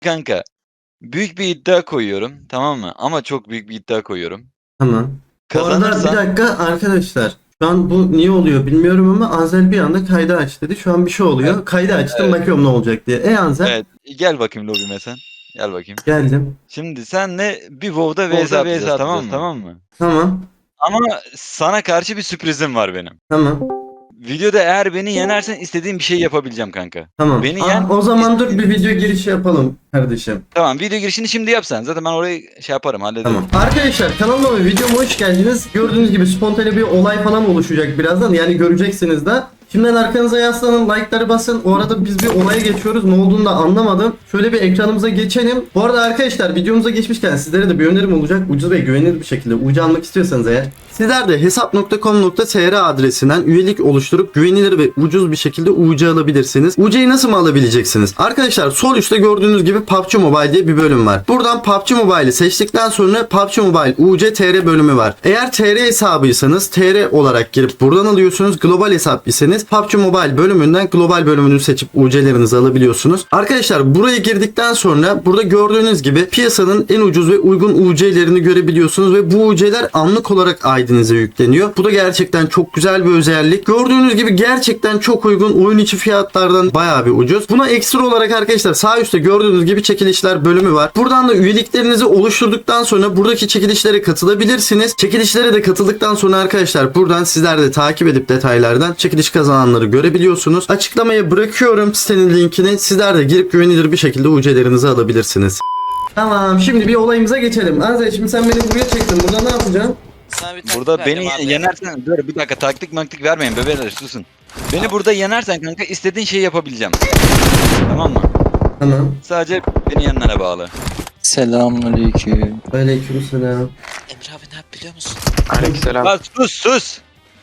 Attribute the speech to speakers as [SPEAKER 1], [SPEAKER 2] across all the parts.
[SPEAKER 1] Kanka, büyük bir iddia koyuyorum, tamam mı? Ama çok büyük bir iddia koyuyorum.
[SPEAKER 2] Tamam. Bu arada bir
[SPEAKER 1] Kazanırsan
[SPEAKER 2] dakika arkadaşlar. Şu an bu niye oluyor bilmiyorum ama Anzel bir anda kaydı aç dedi. Şu an bir şey oluyor.
[SPEAKER 1] evet,
[SPEAKER 2] Kaydı açtım
[SPEAKER 1] evet,
[SPEAKER 2] bakıyorum ne olacak diye. Anzel
[SPEAKER 1] evet. Gel bakayım lobime sen. Gel bakayım.
[SPEAKER 2] geldim.
[SPEAKER 1] Şimdi senle bir WoW'da vs atacağız, tamam mı?
[SPEAKER 2] Tamam.
[SPEAKER 1] Ama sana karşı bir sürprizim var benim.
[SPEAKER 2] Tamam.
[SPEAKER 1] Videoda eğer beni yenersen istediğim bir şey yapabileceğim kanka.
[SPEAKER 2] Tamam.
[SPEAKER 1] Beni yen.
[SPEAKER 2] O zaman dur
[SPEAKER 1] istediğim-
[SPEAKER 2] bir video girişi yapalım kardeşim.
[SPEAKER 1] Tamam, video girişini şimdi yap sen. Zaten ben orayı şey yaparım, hallederim.
[SPEAKER 2] Tamam. Arkadaşlar kanalıma ve videoma hoş geldiniz. Gördüğünüz gibi spontane bir olay falan oluşacak birazdan. Yani göreceksiniz de. Şimdiden arkanıza yaslanın, like'ları basın. O arada biz bir olaya geçiyoruz. Ne olduğunu da anlamadım. Şöyle bir ekranımıza geçelim. Bu arada arkadaşlar videomuza geçmişken sizlere de bir önerim olacak. Ucuz ve güvenilir bir şekilde UC almak istiyorsanız eğer. Sizler de hesap.com.tr adresinden üyelik oluşturup güvenilir ve ucuz bir şekilde UC alabilirsiniz. UC'yi nasıl mı alabileceksiniz? Arkadaşlar sol üstte gördüğünüz gibi PUBG Mobile diye bir bölüm var. Buradan PUBG Mobile'i seçtikten sonra PUBG Mobile UC TR bölümü var. Eğer TR hesabıysanız TR olarak girip buradan alıyorsunuz. Global hesap iseniz PUBG Mobile bölümünden global bölümünü seçip UC'lerinizi alabiliyorsunuz. Arkadaşlar buraya girdikten sonra burada gördüğünüz gibi piyasanın en ucuz ve uygun UC'lerini görebiliyorsunuz ve bu UC'ler anlık olarak ID'nize yükleniyor. Bu da gerçekten çok güzel bir özellik. Gördüğünüz gibi gerçekten çok uygun, oyun içi fiyatlardan bayağı bir ucuz. Buna ekstra olarak arkadaşlar sağ üstte gördüğünüz gibi çekilişler bölümü var. Buradan da üyeliklerinizi oluşturduktan sonra buradaki çekilişlere katılabilirsiniz. Çekilişlere de katıldıktan sonra arkadaşlar buradan sizler de takip edip detaylardan çekiliş kazananları görebiliyorsunuz. Açıklamaya bırakıyorum sitenin linkini. Sizler de girip güvenilir bir şekilde UC'lerinizi alabilirsiniz. Tamam, şimdi bir olayımıza geçelim. Anze, şimdi sen beni buraya çektin. Burada ne yapacağım?
[SPEAKER 3] Sana bir taktik
[SPEAKER 1] Burada
[SPEAKER 3] vereceğim
[SPEAKER 1] beni
[SPEAKER 3] abi.
[SPEAKER 1] yenersen, dur bir dakika, taktik maktik vermeyin bebeler, susun. Beni burada yenersen kanka istediğin şeyi yapabileceğim. Tamam mı?
[SPEAKER 2] Tamam.
[SPEAKER 1] Sadece beni yenmene bağlı.
[SPEAKER 4] Selamünaleyküm.
[SPEAKER 2] Aleykümselam.
[SPEAKER 3] Emre abi ne yap biliyor musun?
[SPEAKER 5] Aleykümselam.
[SPEAKER 1] Lan sus.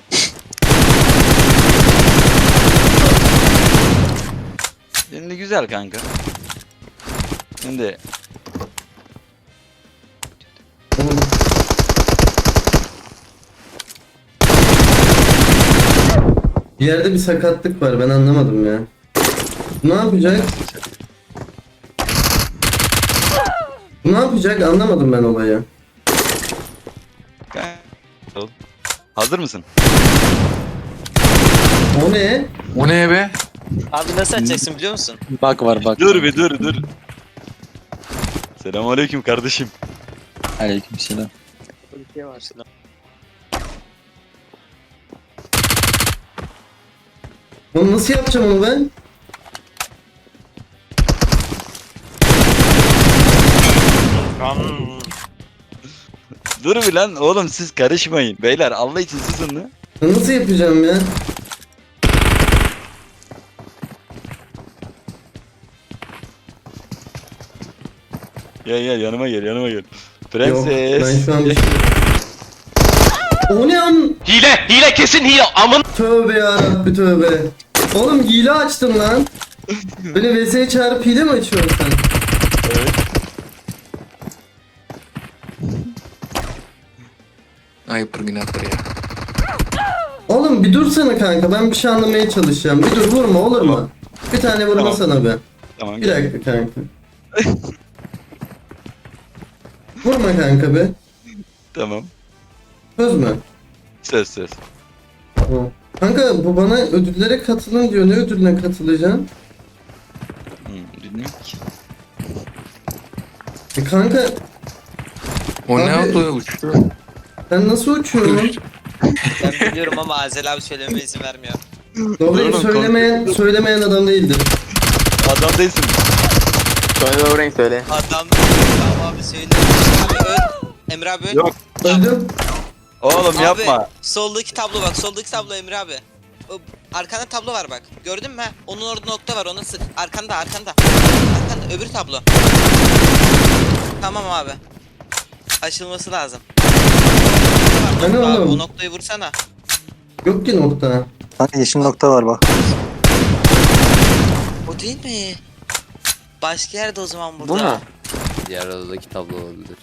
[SPEAKER 1] Şimdi güzel kanka. Şimdi
[SPEAKER 2] Bir yerde bir sakatlık var, ben anlamadım ya. Ne yapacak? Ne yapacak anlamadım ben olayı.
[SPEAKER 1] hazır mısın?
[SPEAKER 2] O ne?
[SPEAKER 5] O ne be?
[SPEAKER 3] Abi nasıl açacaksın biliyor musun?
[SPEAKER 4] Bak var bak.
[SPEAKER 1] Dur. Selamünaleyküm kardeşim.
[SPEAKER 4] Aleykümselam.
[SPEAKER 3] Bir şey var şimdi.
[SPEAKER 2] Onu nasıl yapacağım onu ben?
[SPEAKER 1] Dur bir lan oğlum, siz karışmayın. Beyler Allah için susun lan.
[SPEAKER 2] Nasıl yapacağım ya?
[SPEAKER 1] Gel yanıma gel.
[SPEAKER 2] Yok,
[SPEAKER 1] Prenses.
[SPEAKER 2] ben şu an bir şey... O ne
[SPEAKER 5] Hile kesin hile amın.
[SPEAKER 2] Tövbe yarabbi tövbe. Oğlum hile açtım lan. Böyle vs çağırıp hile mi açıyorsun sen?
[SPEAKER 1] Evet.
[SPEAKER 5] Ayıptır günahtır ya.
[SPEAKER 2] Oğlum bir dursana kanka, ben bir şey anlamaya çalışacağım. Bir dur, vurma olur mu? Bir tane vurma
[SPEAKER 1] Tamam.
[SPEAKER 2] sana be.
[SPEAKER 1] Tamam
[SPEAKER 2] Bir
[SPEAKER 1] gel.
[SPEAKER 2] dakika kanka. Vurma kanka be.
[SPEAKER 1] Tamam.
[SPEAKER 2] Söz mü?
[SPEAKER 1] Söz.
[SPEAKER 2] Tamam. Kanka bu bana ödüllere katılın diyor. Ne ödülüne katılacağım?
[SPEAKER 1] Bilmiyorum ki.
[SPEAKER 2] Kanka
[SPEAKER 5] O ne
[SPEAKER 2] Abi-
[SPEAKER 5] oldu uçtu?
[SPEAKER 2] sen nasıl uçuyorsun?
[SPEAKER 3] Ben biliyorum ama Azel abi söylememe izin vermiyor.
[SPEAKER 2] Doğruyu
[SPEAKER 1] Oğlum,
[SPEAKER 2] söylemeyen adam değildir.
[SPEAKER 1] Adam değilsin.
[SPEAKER 5] Söyle o renk söyle.
[SPEAKER 3] Adam tamam abi söyle. Abi öl. Emre abi öl.
[SPEAKER 1] Yok.
[SPEAKER 2] Öldüm.
[SPEAKER 1] Oğlum
[SPEAKER 3] Abi,
[SPEAKER 1] yapma.
[SPEAKER 3] Soldaki tablo bak. Soldaki tablo Emre abi. O, arkanda tablo var bak. Gördün mü? Onun orada nokta var. Onu sık. Arkanda. Arkanda öbür tablo. Tamam abi. Açılması lazım.
[SPEAKER 2] Hani
[SPEAKER 3] Abi,
[SPEAKER 2] oğlum?
[SPEAKER 3] o noktayı vursana.
[SPEAKER 2] Yok ki nokta.
[SPEAKER 4] Hani yeşil nokta var bak.
[SPEAKER 3] O değil mi? Başka yerde o zaman burada.
[SPEAKER 5] Bu mu?
[SPEAKER 6] Diğer odadaki tablo olabilir.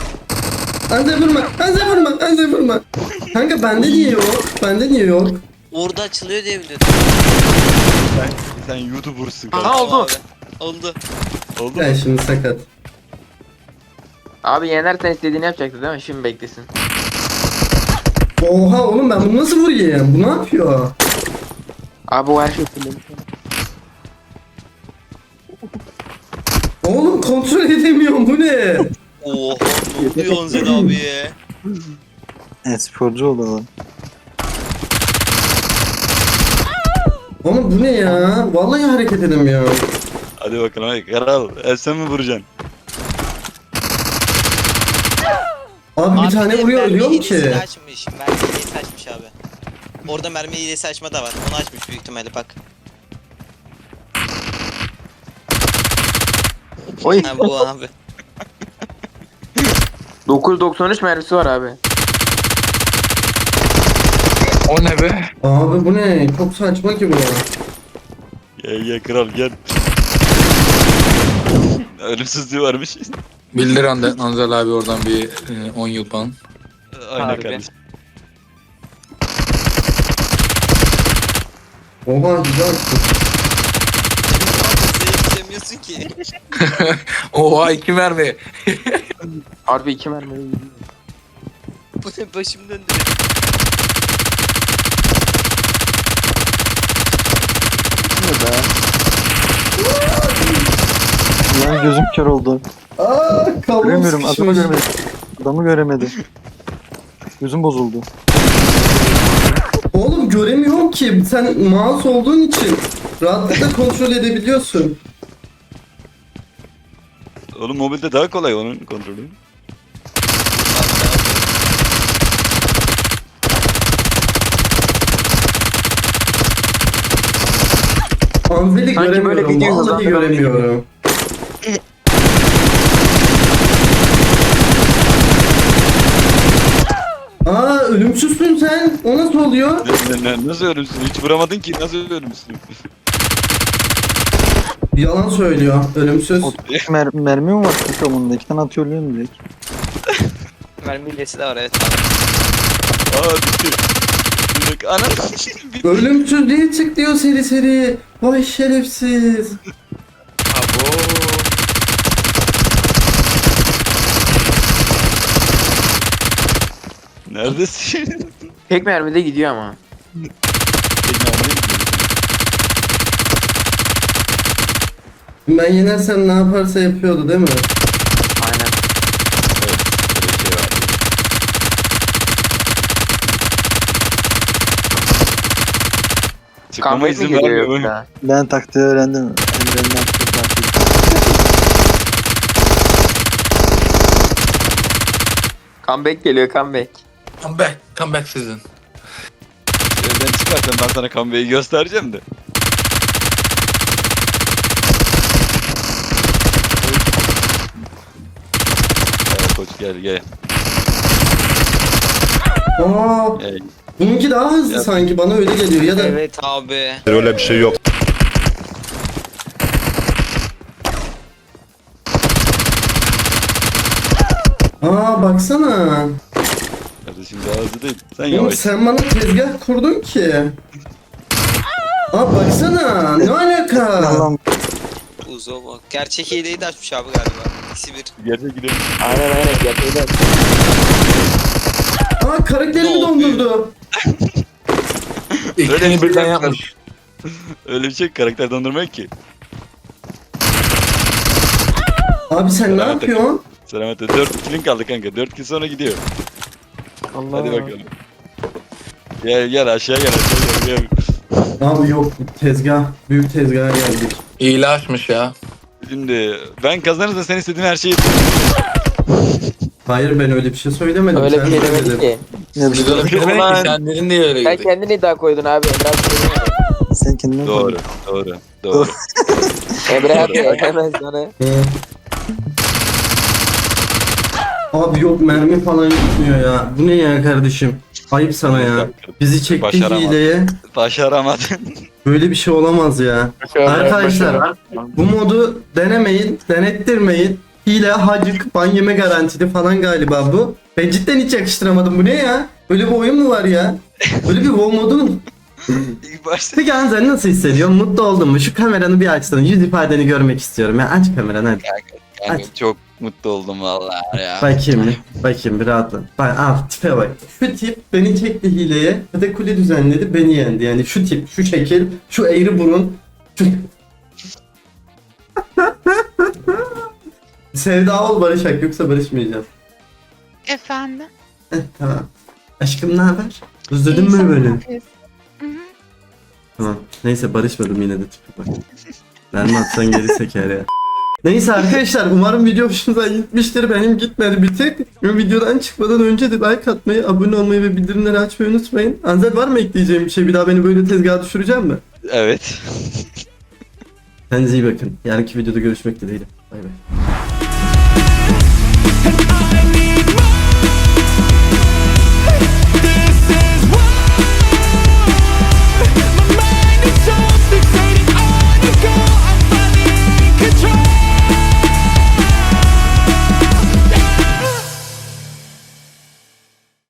[SPEAKER 2] Anze vurma. Kanka bende niye yok?
[SPEAKER 3] Orada açılıyor diye biliyordum.
[SPEAKER 1] Sen YouTuber'sın
[SPEAKER 5] Aha
[SPEAKER 1] kanka.
[SPEAKER 5] oldu.
[SPEAKER 3] Abi, oldu.
[SPEAKER 1] Oldu mu?
[SPEAKER 2] Ben şimdi sakat.
[SPEAKER 5] Abi yenersen istediğini yapacaktı değil mi? Şimdi beklesin.
[SPEAKER 2] Oha oğlum ben bunu nasıl vurayım? Bu ne yapıyor?
[SPEAKER 5] Abi o her şey fullemiş.
[SPEAKER 2] Oğlum kontrol edemiyorum bu ne?
[SPEAKER 3] Oha ne diyorsun Zed abi ya?
[SPEAKER 4] Sporcu oldu adam.
[SPEAKER 2] Oğlum bu ne ya? Vallahi hareket edemiyorum.
[SPEAKER 1] Hadi bakalım hadi Karal. Sen mi vuracaksın?
[SPEAKER 2] Abi bir tane
[SPEAKER 3] de
[SPEAKER 2] vuruyor
[SPEAKER 3] mermi
[SPEAKER 2] ölüyorum
[SPEAKER 3] hilesini
[SPEAKER 2] ki.
[SPEAKER 3] açmış. Mermi hilesi açmış abi. Orada mermi hilesi açma da var. Onu açmış büyük ihtimalle bak.
[SPEAKER 4] Oy.
[SPEAKER 3] Ha bu abi.
[SPEAKER 5] 993 mermisi var abi. O ne be?
[SPEAKER 2] Abi bu ne? Çok saçma ki bu.
[SPEAKER 1] Gel kral gel. Ölümsüzlüğü varmış.
[SPEAKER 7] Bildir Anzel abi oradan bir 10 yıl ban.
[SPEAKER 1] Aynen
[SPEAKER 5] Harbi.
[SPEAKER 1] kardeşim.
[SPEAKER 2] Oha güzel.
[SPEAKER 3] Zeyt ki.
[SPEAKER 7] Oha 2 mermi.
[SPEAKER 5] Harbi 2 mermi.
[SPEAKER 3] Bu ne başım döndü.
[SPEAKER 4] Lan gözüm kör oldu.
[SPEAKER 2] Aa kablom
[SPEAKER 4] Göremiyorum, adamı
[SPEAKER 2] sıkışmış.
[SPEAKER 4] göremedim. Adamı göremedim. Gözüm bozuldu.
[SPEAKER 2] Oğlum göremiyorum ki. Sen mouse olduğun için rahatlıkla kontrol edebiliyorsun.
[SPEAKER 1] Oğlum mobilde daha kolay onun kontrolü.
[SPEAKER 2] Anzel'i
[SPEAKER 5] Sanki böyle
[SPEAKER 2] göremiyorum.
[SPEAKER 5] video
[SPEAKER 2] Vallahi
[SPEAKER 5] hızlandırılmış
[SPEAKER 2] göremiyorum. Aa ölümsüzsün sen. O nasıl oluyor?
[SPEAKER 1] Nasıl ölümsüz? Hiç vuramadın ki nasıl ölümsüz?
[SPEAKER 2] Yalan söylüyor. Ölümsüz.
[SPEAKER 4] Mermi mi var kanka bunda? 2 tane atıyor ölüyorum direkt.
[SPEAKER 3] Mermi hilesi de var evet.
[SPEAKER 1] Aa bitti. Bir dakika anam. Bitti.
[SPEAKER 2] Ölümsüz diye çık diyor seri seri. Vay şerefsiz.
[SPEAKER 3] Abo.
[SPEAKER 1] Neredesin?
[SPEAKER 5] Tek mermide gidiyor ama.
[SPEAKER 2] Ben yenersem ne yaparsa yapıyordu değil mi?
[SPEAKER 5] Aynen.
[SPEAKER 1] Evet, böyle bir şey var. Çıkmama
[SPEAKER 5] Comeback mi
[SPEAKER 1] izin
[SPEAKER 5] geliyor
[SPEAKER 1] vermiyor.
[SPEAKER 5] yoksa?
[SPEAKER 4] Ben taktiği öğrendim. Emre'nin yaptığı taktiği.
[SPEAKER 5] Comeback geliyor comeback.
[SPEAKER 7] Come back sizin.
[SPEAKER 1] Evden çıkarsan ben sana kambeyi göstereceğim de. Gel koç gel.
[SPEAKER 2] Aa,
[SPEAKER 1] Gel.
[SPEAKER 2] bununki daha hızlı
[SPEAKER 1] Ya.
[SPEAKER 2] sanki bana öyle geliyor ya da
[SPEAKER 3] Evet abi.
[SPEAKER 8] Öyle bir şey yok.
[SPEAKER 2] Aa baksana.
[SPEAKER 1] Kardeşim daha hızlı değil. Sen
[SPEAKER 2] Oğlum
[SPEAKER 1] yavaş.
[SPEAKER 2] sen bana tezgah kurdun ki. Aa baksana ne alaka?
[SPEAKER 4] Allah'ım
[SPEAKER 3] Uzo bak. Gerçek hileyi de açmış abi galiba. İkisi bir.
[SPEAKER 1] Gerçek gidelim.
[SPEAKER 5] Aynen gerçekten.
[SPEAKER 2] Aa karakterimi
[SPEAKER 3] Ne
[SPEAKER 2] dondurdu.
[SPEAKER 7] İkisini birden yapmış.
[SPEAKER 1] Öyle bir şey karakter dondurmak ki.
[SPEAKER 2] Abi sen ne
[SPEAKER 1] Evet,
[SPEAKER 2] yapıyorsun?
[SPEAKER 1] Selametle 4 kilin kaldı kanka. 4 kill sonra gidiyor.
[SPEAKER 5] Allah.
[SPEAKER 1] Hadi bakalım. Gel aşağı gel.
[SPEAKER 2] Abi yok tezgah. Büyük tezgaha geldik.
[SPEAKER 7] İyile açmış ya.
[SPEAKER 1] Şimdi ben kazanırsam sen istediğin her şeyi yaparım.
[SPEAKER 2] Hayır ben öyle bir şey söylemedim.
[SPEAKER 5] Öyle
[SPEAKER 2] sen
[SPEAKER 5] bir şey
[SPEAKER 2] söyledin.
[SPEAKER 5] demedik ki.
[SPEAKER 4] ne bir
[SPEAKER 7] Biz
[SPEAKER 4] şey
[SPEAKER 7] öyle bir şey demedik ki sen dedin diye öyle
[SPEAKER 5] Sen
[SPEAKER 7] girdik.
[SPEAKER 5] kendin iddia koydun abi. Emre abi söylemiyor.
[SPEAKER 4] Sen kendine
[SPEAKER 1] Doğru.
[SPEAKER 5] Emre abi hemen sana.
[SPEAKER 2] Hı. Abi yok mermi falan gitmiyor ya. Bu ne ya kardeşim? Ayıp sana ya. Bizi çekti
[SPEAKER 1] Başaramadım.
[SPEAKER 2] hileye.
[SPEAKER 1] Başaramadın.
[SPEAKER 2] Böyle bir şey olamaz ya. Arkadaşlar bu modu denemeyin, denettirmeyin. Hile, hacık, ban yeme garantili falan galiba bu. Ben cidden hiç yakıştıramadım. Bu ne ya? Böyle bir oyun mu var ya? Böyle bir WoW modu
[SPEAKER 1] İlk başta.
[SPEAKER 2] Peki Anzel nasıl hissediyorsun? Mutlu oldun mu? Şu kameranı bir açsana. Yüz ifadeni görmek istiyorum. Ya aç kameranı hadi.
[SPEAKER 1] Kanka,
[SPEAKER 2] Aç.
[SPEAKER 1] çok mutlu oldum vallahi ya.
[SPEAKER 2] Bakayım bir rahatla. Bak al tipe bak. Şu tip beni çekti hileye. Kule düzenledi beni yendi. Yani şu tip, şu şekil, şu eğri burun. Şu... Sevda ol barışak yoksa barışmayacağız.
[SPEAKER 8] Efendim?
[SPEAKER 2] Tamam. Aşkım ne haber? Özledin
[SPEAKER 8] İyi, sen
[SPEAKER 2] mi
[SPEAKER 8] ne
[SPEAKER 2] beni?
[SPEAKER 8] yapıyorsun? Hı hı.
[SPEAKER 2] Tamam. Neyse barışmadım yine de tipe bak. Ben atsan geri seker ya. Neyse arkadaşlar umarım video hoşunuza gitmiştir. Benim gitmedi bir tek. Videodan çıkmadan önce de like atmayı, abone olmayı ve bildirimleri açmayı unutmayın. Anzel var mı ekleyeceğim bir şey? Bir daha beni böyle tezgaha düşüreceğim mi?
[SPEAKER 1] Evet.
[SPEAKER 2] Kendinize iyi bakın. Yarınki videoda görüşmek dileğiyle. Bay bay.